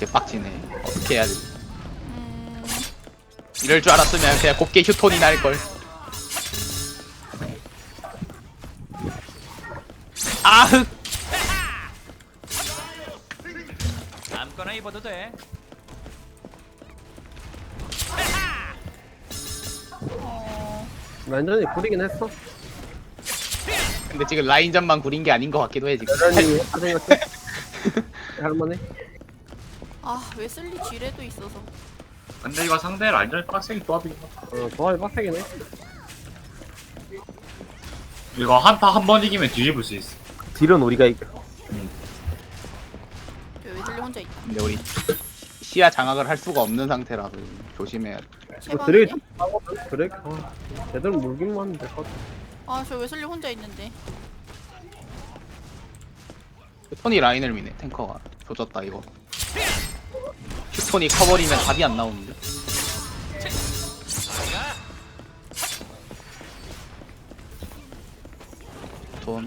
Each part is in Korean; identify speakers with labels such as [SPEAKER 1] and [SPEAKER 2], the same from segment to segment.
[SPEAKER 1] 개빡치네. 어떻게 해야 돼? 이럴 줄 알았으면 그냥 곱게 휴톤이 날걸. 아흑!
[SPEAKER 2] 아무거나 입어도 돼.
[SPEAKER 3] 완전히 구리긴 했어.
[SPEAKER 1] 근데 지금 라인전만 구린 게 아닌 것 같기도 해 지금.
[SPEAKER 3] 여전히 했다 생각해. 할만해.
[SPEAKER 4] 아 웨슬리 지뢰도 있어서.
[SPEAKER 5] 근데 이거 상대 라인전 빡세게 조합이긴 하다.
[SPEAKER 3] 조합이 빡세긴 해.
[SPEAKER 5] 이거 한타 한 번 이기면 뒤집을 수 있어.
[SPEAKER 3] 딜은 우리가 이겨.
[SPEAKER 4] 웨슬리 혼자 있다.
[SPEAKER 1] 근데 우리 시야 장악을 할 수가 없는 상태라서 조심해야 돼.
[SPEAKER 3] 드랙이
[SPEAKER 4] 최방이네.
[SPEAKER 3] 좀 나거든. 드랙. 제대로 물기만 하면 될 것 같아.
[SPEAKER 4] 아저 웨슬리 혼자 있는데.
[SPEAKER 1] 휴톤이 라인을 미네. 탱커가 조졌다 이거. 휴톤이 커버리면 답이 안 나오는데. 휴톤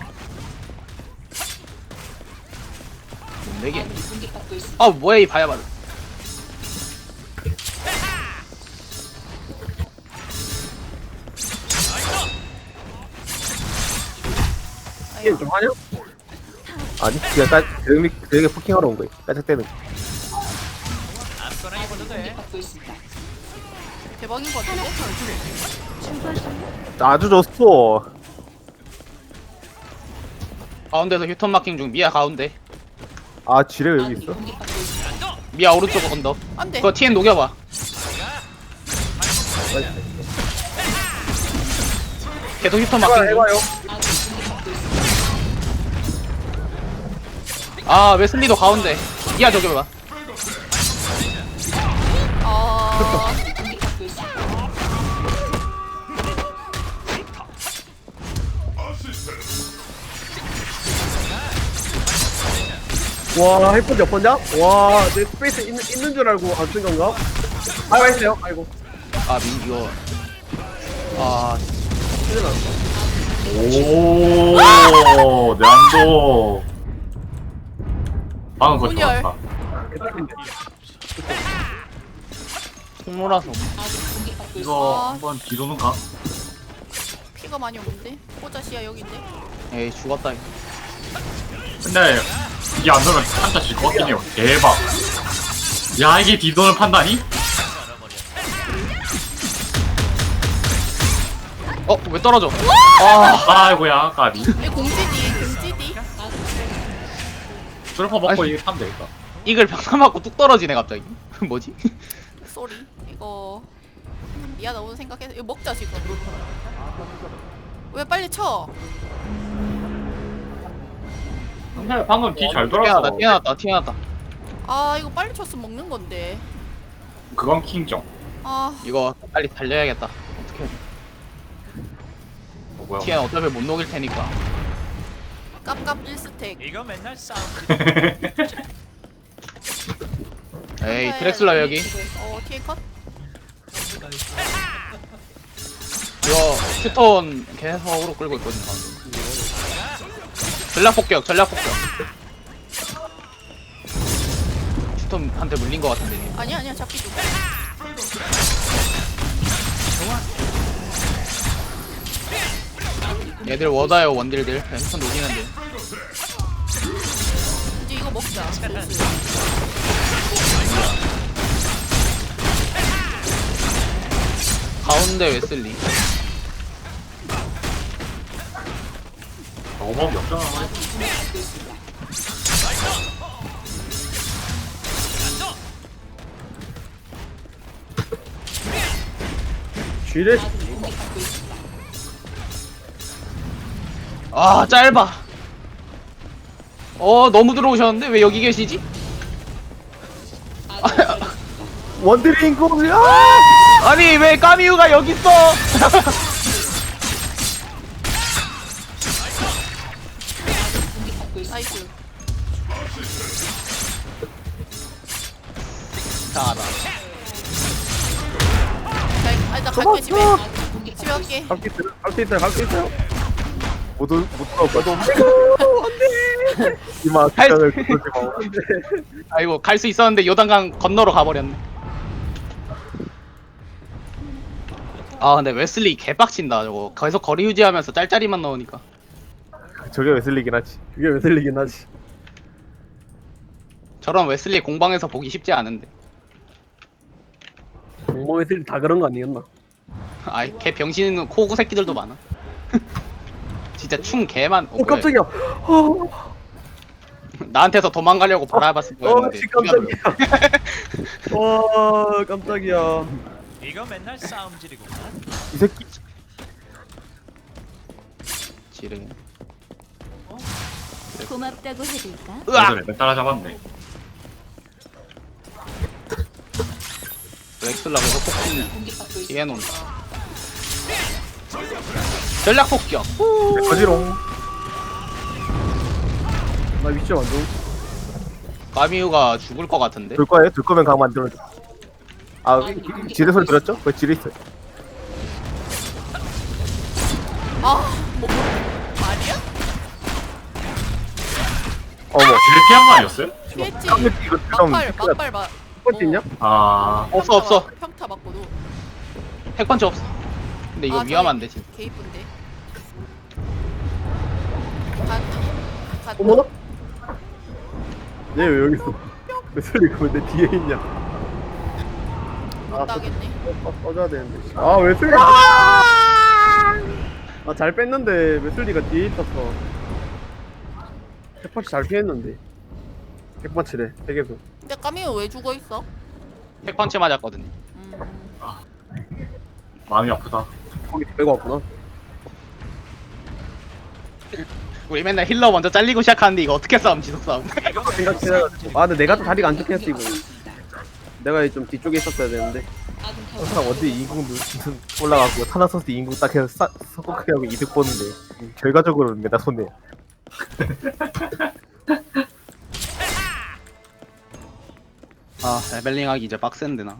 [SPEAKER 1] 뭔데게? 아 뭐야 이 바야바르.
[SPEAKER 3] 게임 좀 하냐? 아니, 그냥 드랙에 포킹하러 온 거야. 깔짝대는.
[SPEAKER 2] 아무거나 입어도 돼.
[SPEAKER 4] 대박인 것 같은데?
[SPEAKER 3] 아주 좋소.
[SPEAKER 1] 가운데서 휴톤 마킹 중. 미아 가운데.
[SPEAKER 3] 아, 지뢰 여기 있어?
[SPEAKER 1] 미아 오른쪽 언덕.
[SPEAKER 4] 안돼.
[SPEAKER 1] 그거 TN 녹여봐. 계속 휴톤 마킹 중.
[SPEAKER 3] 해봐요.
[SPEAKER 1] 아 웨슬리도 가운데. 미아 저겨봐.
[SPEAKER 4] 아
[SPEAKER 3] 와, 헬퍼지 몇 번냐? 와, 내 스페이스 있는 줄 알고 안 쓴 건가? 아이고, 했어요. 아이고.
[SPEAKER 1] 아 이거. 아
[SPEAKER 3] 큰일 났어.
[SPEAKER 5] 오, 내안도 방금 그거
[SPEAKER 4] 혼혈.
[SPEAKER 5] 좋았다.
[SPEAKER 1] 통로라서.
[SPEAKER 5] 이거
[SPEAKER 4] 아.
[SPEAKER 5] 한번 뒤도는 가?
[SPEAKER 4] 피가 많이 없는데? 호자시야 여기인데?
[SPEAKER 1] 에이 죽었다 이거.
[SPEAKER 5] 근데 이게 안 되면 한타 질 것 같긴 해요. 대박. 야, 이게 뒤도는 판단이?
[SPEAKER 1] 왜 떨어져? 아
[SPEAKER 5] 아이고야, 까비.
[SPEAKER 4] 이 공지디.
[SPEAKER 5] 트루퍼 먹고
[SPEAKER 1] 아이씨.
[SPEAKER 5] 이게 타면 되겠다.
[SPEAKER 1] 이글 병사 맞고 뚝 떨어지네 갑자기. 뭐지?
[SPEAKER 4] 쏘리. 이거 미아 너무 생각해서 이거 먹자 지금. 왜 빨리 쳐?
[SPEAKER 5] 근데 방금 뒤 잘 돌아서
[SPEAKER 1] 튀어나왔다 튀어나왔다 튀어나왔다.
[SPEAKER 4] 아 이거 빨리 쳤으면 먹는 건데.
[SPEAKER 5] 그건 킹정.
[SPEAKER 4] 아
[SPEAKER 1] 이거 빨리 달려야겠다. 어떻게 해?
[SPEAKER 5] 뭐야?
[SPEAKER 1] TN 어차피 못 녹일 테니까.
[SPEAKER 4] 깝깝 1스택.
[SPEAKER 2] 이거 맨날 싸움.
[SPEAKER 1] 에이 드렉슬라 여기.
[SPEAKER 4] TN 컷?
[SPEAKER 1] 이거 휴톤 계속으로 끌고 있거든. 전략 폭격 전략 폭격. 휴톤한테 물린 것 같은데. 이게.
[SPEAKER 4] 아니야 잡기 좀.
[SPEAKER 1] 얘들 워다요 원딜들. 휴톤 녹이는데.
[SPEAKER 4] 이제 이거 먹자. 슬슬.
[SPEAKER 1] 가운데 웨슬리.
[SPEAKER 5] 너무 역전하네.
[SPEAKER 3] 지뢰.
[SPEAKER 1] 아 짧아. 너무 들어오셨는데 왜 여기 계시지?
[SPEAKER 3] 원드링 공이야!
[SPEAKER 1] 아니 왜 까미우가 여기 있어?
[SPEAKER 4] 나이스.
[SPEAKER 1] 이상하다.
[SPEAKER 4] 나 갈게 집에. 집에 갈게.
[SPEAKER 3] 갈수 있어요. 못 들어올 거야. 안돼! 이마
[SPEAKER 1] 할
[SPEAKER 3] 극장을 그러지 마.
[SPEAKER 1] 아이고 갈 수 있었는데 요단강 건너러 가버렸네. 아 근데 웨슬리 개빡친다 저거. 계속 거리 유지하면서 짤짤이만 넣으니까.
[SPEAKER 3] 저게 웨슬리긴 하지.
[SPEAKER 6] 그게 왜 들리긴 하지.
[SPEAKER 1] 저런 웨슬리 공방에서 보기 쉽지 않은데.
[SPEAKER 6] 공범 애들이 다 그런 거 아니었나?
[SPEAKER 1] 아이 개 병신 코구 새끼들도 많아. 진짜 충 개만.
[SPEAKER 6] 오 깜짝이야.
[SPEAKER 1] 나한테서 도망가려고 바라봤을 거였는데.
[SPEAKER 6] 씨, 깜짝이야. 와 깜짝이야.
[SPEAKER 2] 이거 맨날 싸움질이구만.
[SPEAKER 3] 이 새끼
[SPEAKER 1] 지르.
[SPEAKER 7] 고맙다고 해줄까?
[SPEAKER 1] 으악!
[SPEAKER 5] 그래 내 따라잡았네.
[SPEAKER 1] 렉슬라 그래서 폭풍 뒤에 놓는다. 전략 폭격.
[SPEAKER 3] 거지롱.
[SPEAKER 6] 나 위치 완전.
[SPEAKER 1] 까미우가 죽을 것 같은데.
[SPEAKER 3] 둘 거예요? 둘 거면 강 만들어줘. 아 지뢰 소리 들었죠? 왜 지뢰 있어요?
[SPEAKER 4] 뭐 아니야?
[SPEAKER 3] 어머.
[SPEAKER 5] 뒤를 피한 거 아니었어요?
[SPEAKER 4] 피했지.
[SPEAKER 3] 이거 좀
[SPEAKER 4] 막발 막.
[SPEAKER 6] 첫 번째 있냐?
[SPEAKER 5] 아
[SPEAKER 1] 없어.
[SPEAKER 4] 평타 맞고도.
[SPEAKER 1] 핵펀치 없어. 근데 이거
[SPEAKER 4] 아,
[SPEAKER 1] 위험한데
[SPEAKER 4] 저기
[SPEAKER 1] 진짜.
[SPEAKER 4] 개 이쁜데.
[SPEAKER 6] 어머나? 얘 왜 여기 있어? 왜 소리 그왜 내 뒤에 있냐?
[SPEAKER 4] 못 따겠네.
[SPEAKER 6] 꺼져야 되는데. 아 웨슬리. 아잘 뺐는데 웨슬리가 뒤에 있었어. 핵펀치 잘 피했는데. 핵펀치래. 핵에서.
[SPEAKER 4] 근데 까미우 왜 죽어 있어?
[SPEAKER 1] 핵펀치 맞았거든요.
[SPEAKER 5] 마음이 아프다.
[SPEAKER 6] 거기 빼고 왔구나.
[SPEAKER 1] 우리 맨날 힐러 먼저 잘리고 시작하는데 이거 어떻게 싸움 지속 싸움.
[SPEAKER 6] 생각해가지고. 아 근데 내가 또 다리가 안 좋겠어 이거. 내가 좀 뒤쪽에 있었어야 되는데.
[SPEAKER 3] 항상 언제 이궁 올라가고 타나소스 이궁 딱 해서 석고크게 하고 이득 보는데 결과적으로는 내가 손해.
[SPEAKER 1] 아 레벨링하기 이제 빡센데 나.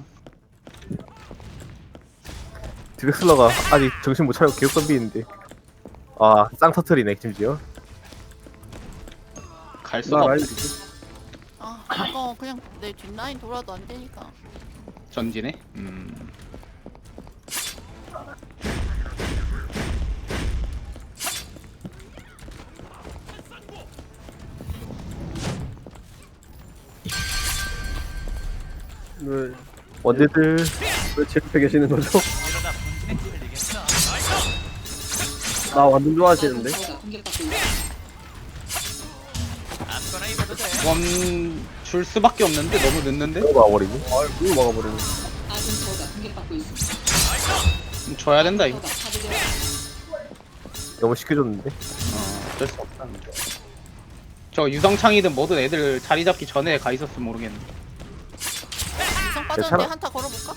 [SPEAKER 3] 드렉슬러가 아직 정신 못 차리고 계속 덤비는데. 아 쌍터틀이네 심지어.
[SPEAKER 1] 갈
[SPEAKER 6] 나
[SPEAKER 1] 수가
[SPEAKER 6] 라인
[SPEAKER 1] 없어.
[SPEAKER 4] 아 이거 그냥 내 뒷라인 돌아도 안 되니까.
[SPEAKER 1] 전진해.
[SPEAKER 6] 왜
[SPEAKER 3] 언제들
[SPEAKER 6] 제 옆에 계시는 거죠?
[SPEAKER 2] 이러다 분쟁 틀리겠어.
[SPEAKER 6] 나 완전 좋아하시는데.
[SPEAKER 2] 아무거나 입어도 돼.
[SPEAKER 1] 원줄 수밖에 없는데 너무 늦는데.
[SPEAKER 3] 너무 와버리고.
[SPEAKER 6] 아 그걸 막아버리네.
[SPEAKER 1] 줘야 된다 이거.
[SPEAKER 3] 너무 쉽게 줬는데.
[SPEAKER 1] 어쩔 수 없다. 저 유성창이든 뭐든 애들 자리 잡기 전에 가 있었으면 모르겠네.
[SPEAKER 4] 이성 빠졌는데
[SPEAKER 3] 괜찮아.
[SPEAKER 4] 한타 걸어볼까?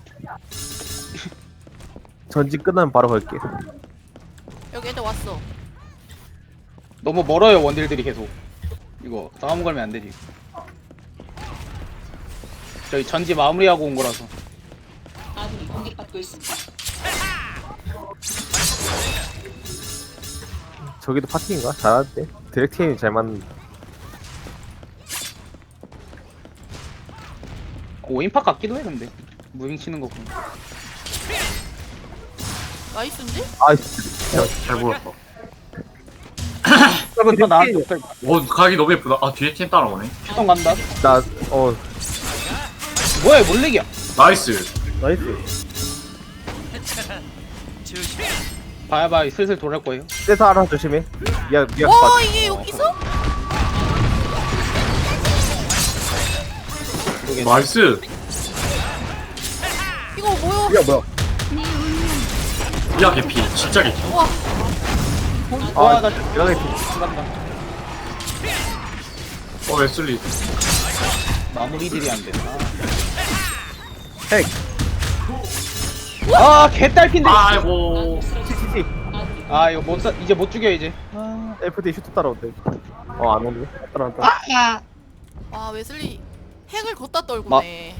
[SPEAKER 3] 전진 끝나면 바로 갈게.
[SPEAKER 4] 여기 애들 왔어.
[SPEAKER 1] 너무 멀어요 원딜들이 계속. 이거 싸움 걸면 안 되지. 저희 전지 마무리하고 온 거라서.
[SPEAKER 3] 저기도 파티인가? 잘하는데. 디렉티인이 잘 맞는다.
[SPEAKER 1] 오인팍 같기도 해 근데. 무빙 치는 거 보면.
[SPEAKER 4] 나이스인데?
[SPEAKER 3] 아이씨.
[SPEAKER 5] 잘 보였어.
[SPEAKER 6] 저건
[SPEAKER 1] 나 나한테
[SPEAKER 6] 뒤에
[SPEAKER 1] 없을
[SPEAKER 5] 오 가기 너무 예쁘다. 아 뒤에 팀 따라오네.
[SPEAKER 1] 피통 간다.
[SPEAKER 3] 어
[SPEAKER 1] 뭐야 몰렉이야.
[SPEAKER 5] 나이스.
[SPEAKER 6] 나이스.
[SPEAKER 2] 조심.
[SPEAKER 1] 봐봐 슬슬 돌아올 거예요.
[SPEAKER 3] 떼서 알아 조심해. 미안
[SPEAKER 4] 와 이게 여기서?
[SPEAKER 5] 나이스.
[SPEAKER 4] 이거 뭐야?
[SPEAKER 6] 야 뭐야?
[SPEAKER 5] 야 개피. 진짜 개피.
[SPEAKER 4] 와
[SPEAKER 1] 와나
[SPEAKER 3] 대단히
[SPEAKER 1] 간다.
[SPEAKER 5] 웨슬리.
[SPEAKER 1] 마무리들이 안 된다.
[SPEAKER 6] 핵.
[SPEAKER 1] 아 개딸핀데.
[SPEAKER 5] 아이고.
[SPEAKER 3] CCC.
[SPEAKER 1] 아 이거 못 이제 못 죽여 이제.
[SPEAKER 3] FD 슈트 따라온대. 안 오네.
[SPEAKER 6] 따라왔다.
[SPEAKER 4] 와 웨슬리 핵을 걷다 떨구네.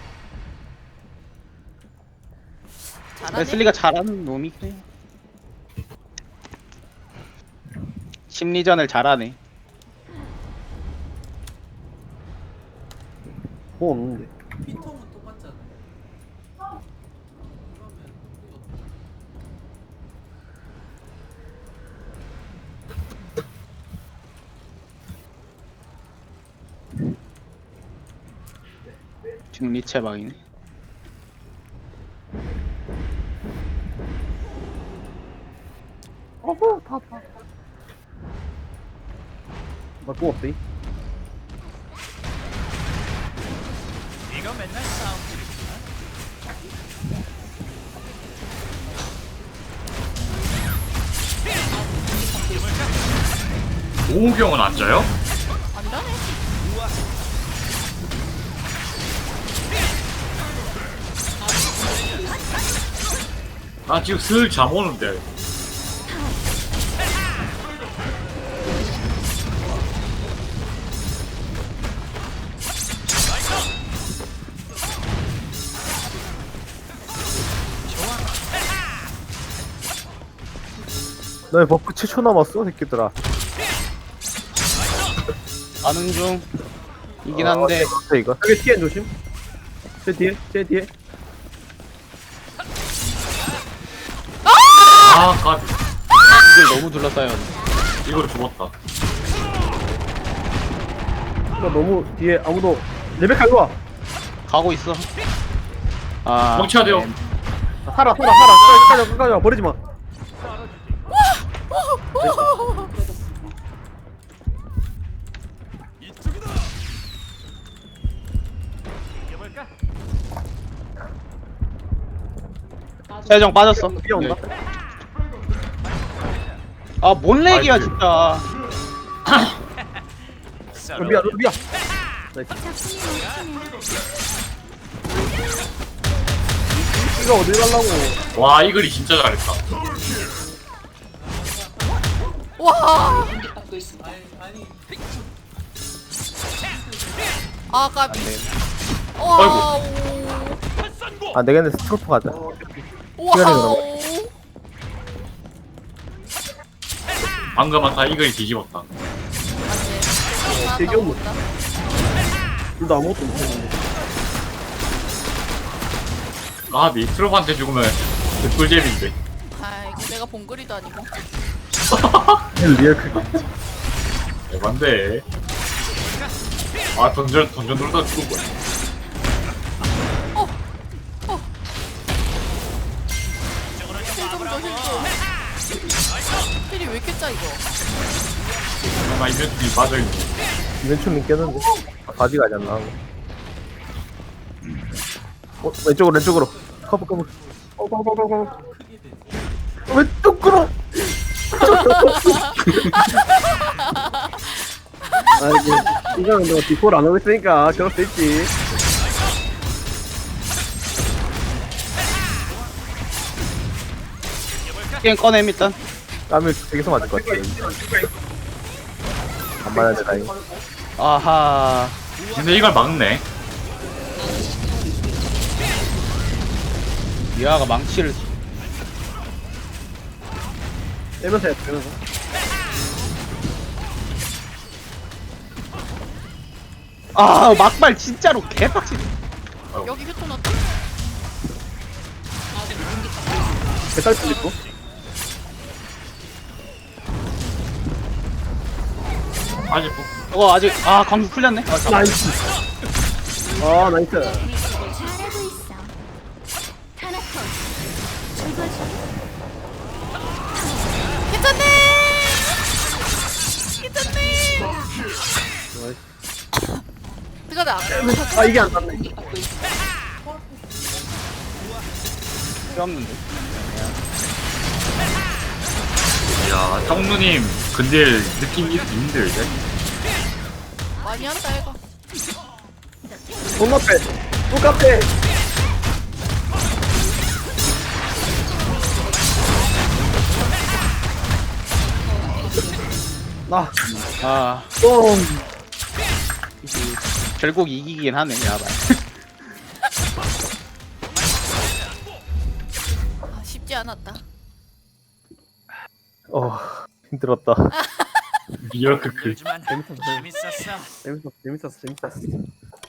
[SPEAKER 4] 잘하네.
[SPEAKER 1] 웨슬리가 잘하는 놈이 그래. 심리전을 잘하네.
[SPEAKER 6] 뭐 없는데.
[SPEAKER 1] 지금 리체 막이네.
[SPEAKER 6] 어허, 다. 나또 없대.
[SPEAKER 2] 이거 맨날 싸움질이구나.
[SPEAKER 5] 오우경은 안 져요?
[SPEAKER 4] 안 되네.
[SPEAKER 5] 나 지금 슬 잠 오는데.
[SPEAKER 3] 너의 버프 7초 남았어 새끼들아.
[SPEAKER 1] 가는 중. 이긴 한데
[SPEAKER 3] 어때 이거?
[SPEAKER 6] 여기 TN 조심. 제 뒤에, 제 뒤에.
[SPEAKER 5] 아, 까
[SPEAKER 1] 이걸 너무 둘러싸여.
[SPEAKER 5] 이걸 죽었다.
[SPEAKER 6] 이거 너무 뒤에 아무도. 레베카 이리 와.
[SPEAKER 1] 가고 있어. 아.
[SPEAKER 5] 멍쳐야 돼요.
[SPEAKER 1] 네.
[SPEAKER 6] 살아. 끝까지 와. 버리지 마.
[SPEAKER 2] 이겨볼까?
[SPEAKER 1] 세정 빠졌어.
[SPEAKER 6] 뛰어온다.
[SPEAKER 1] 네. 아, 뭔 렉이야
[SPEAKER 5] 아이고.
[SPEAKER 1] 진짜.
[SPEAKER 6] 루비야. 나이스. 이거 어딜 가려고.
[SPEAKER 5] 와, 이글이 진짜 잘했다.
[SPEAKER 4] 와. 아 까비. 와.
[SPEAKER 3] 아 내가 스트로프 가자.
[SPEAKER 4] 와우.
[SPEAKER 5] 방금 아까 이글이 뒤집었다.
[SPEAKER 6] 되게 없네. 둘다 아무것도 못했는데.
[SPEAKER 5] 아비 트로프한테 죽으면 꿀잼인데.
[SPEAKER 4] 아이고 내가 봉그리도 아니고.
[SPEAKER 3] 리얼 크기.
[SPEAKER 5] 대반데. 아 던전 돌다 죽은 거야.
[SPEAKER 4] 힐이 왜 이렇게 짜 이거?
[SPEAKER 5] 나 이벤트이 빠져있네.
[SPEAKER 3] 이벤트는 깼는데. 아, 바지 가지 않나? 왼쪽으로. 커브. 왼쪽으로.
[SPEAKER 6] 아이고. 이거는 너 디코를 안 하고 있으니까 저럴 수 있지.
[SPEAKER 1] 게임 꺼냄 일단.
[SPEAKER 3] 땀을 되게서 맞을 것 같아. 안 맞아야 돼 다행히.
[SPEAKER 1] 아하.
[SPEAKER 5] 근데 이걸 막네.
[SPEAKER 1] 미아가 망치를.
[SPEAKER 6] 빼면서 해, 빼면서.
[SPEAKER 1] 아, 막발 진짜로 개빡치.
[SPEAKER 4] 여기 휴톤 어때?
[SPEAKER 6] 배탈 있고.
[SPEAKER 5] 아직
[SPEAKER 1] 저거 아직 광수 풀렸네. 아, 잠깐.
[SPEAKER 6] 나이스. 아, 나이스.
[SPEAKER 7] 잘하고 있어. 타나토스. 죽어줘.
[SPEAKER 4] 괜찮네. 들어가자.
[SPEAKER 6] 아, 이게 안 닿네.
[SPEAKER 1] 필요 없는데.
[SPEAKER 5] 야 정누님 근데 느낌이 힘들대.
[SPEAKER 4] 많이 한다 이거.
[SPEAKER 6] 손앞에. 똑같아. 나.
[SPEAKER 1] 아,
[SPEAKER 6] 똥.
[SPEAKER 1] 결국 이기긴 하네, 야발.
[SPEAKER 4] 아, 쉽지 않았다.
[SPEAKER 3] 힘들었다.
[SPEAKER 5] 리얼 크크.
[SPEAKER 2] 힘들지만 재밌었어.
[SPEAKER 6] 재밌었어.